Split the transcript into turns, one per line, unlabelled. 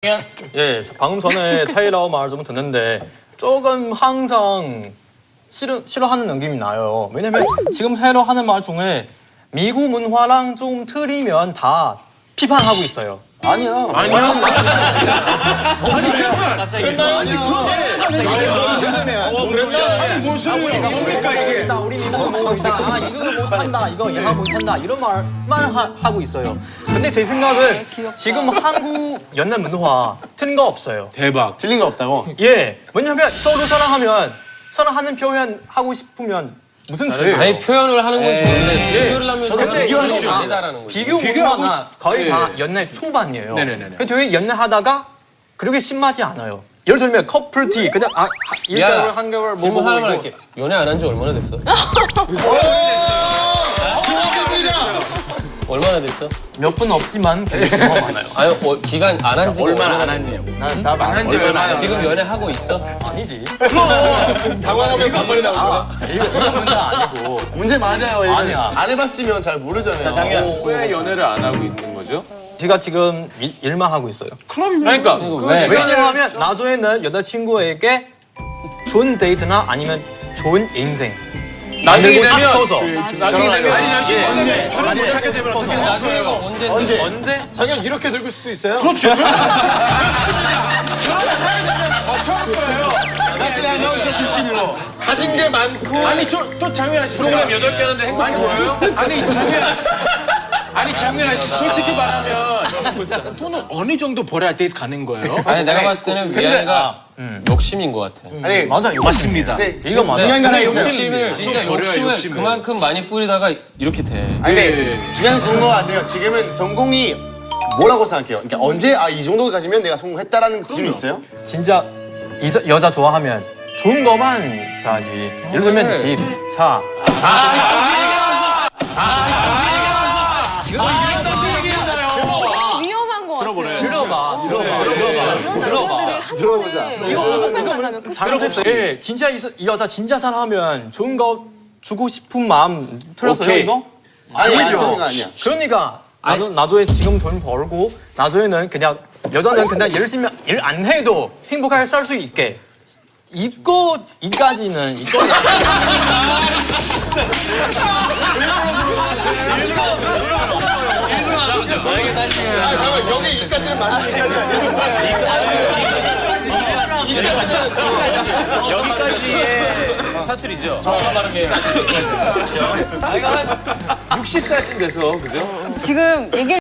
예, 방금 전에 타이라오 말 좀 듣는데 조금 항상 싫어하는 느낌이 나요. 왜냐면 지금 타이라오 하는 말 중에 미국 문화랑 좀 틀리면 다 비판하고 있어요.
아니야.
아니 정말 그랬나? 아니 뭔 소리야? 뭡니까 이게?
우리 미국은 뭐 있다. 이거 못한다. 이거 이해가 못한다. 이런 말만 하고 있어요. 근데 제 생각은 지금 한국 연애 문화 틀린 거 없어요.
대박.
틀린 거 없다고?
예, 왜냐면 서로 사랑하는 표현 하고 싶으면 무슨 죄예요?
아니 표현을 하는 건 좋은데 비교를 하면
근데
비교하는
이거
건 아니다라는 거지.
비교 문화가 거의 다 연애 초반이에요. 되게 연애하다가 그렇게 심하지 않아요. 예를 들면 커플티 그냥 1개월 한 개월 뭐
질문 하나만 할게. 연애 안 한 지 얼마나 됐어? 얼마나 됐어?
몇 분 없지만 굉장히 많아요.
아니 기간 안 한 지가
얼마나 안 했냐고.
나한지 얼마나?
지금 연애하고 있어?
아니지.
당황하면 반말이 나오잖아.
이거 문제 아니고.
문제 맞아요. 이거.
아니야.
안 해봤으면 잘 모르잖아요.
왜 연애를 안 하고 있는 거죠?
제가 지금 일만 하고 있어요.
그러니까
왜?
왜냐하면 나중에는 여자친구에게 좋은 데이트나 아니면 좋은 인생
나중에
만들고
되면
싶어서.
나중에 되면
하게 되면 어떻게 해요?
나중에 언제?
언제?
자기가 이렇게 늙을 수도 있어요? 그렇죠. 처음 거예요.
나트리 아나운서 출신으로.
가진 게 많고. 아니 또 장유한 씨.
프로그램 8개 하는데 행복해 보여요?
아니 장유한 씨 솔직히 말하면 돈은 어느 정도 벌어야 데이트 가는 거예요?
아니 내가 봤을 때는 미안이가 욕심인 것 같아.
아니
맞아,
맞습니다.
근데
이거 맞아.
중요한 게 하나
근데
있어요.
욕심을 진짜
버려요,
욕심을
욕심을.
그만큼 많이 뿌리다가 이렇게 돼.
아니 근데 중요한 건 그런 거 같아요. 지금은 전공이 뭐라고 생각해요? 그러니까 언제 이 정도 가지면 내가 성공했다라는 기준이 있어요?
진짜 여자 좋아하면 좋은 것만 줘야지. 예를 들면 집, 차.
위험한 거 같아요.
들어보자.
이거
잘못했어요. 예, 진짜 이 여자 진짜 사랑하면 좋은 거 주고 싶은 마음 틀렸어요,
오케이.
이거?
아니 안
아니죠.
틀린 거 아니야.
그러니까 나중에 지금 돈 벌고 나중에는 그냥 여자는 그냥 열심히 일 안 해도 행복하게 살 수 있게 이까지는
여기 이까지는 맞는 이까지 아니야?
여기까지의 사투리죠. 정확한 발음이에요. 내가 한 60살쯤 돼서 그죠?
지금 얘기를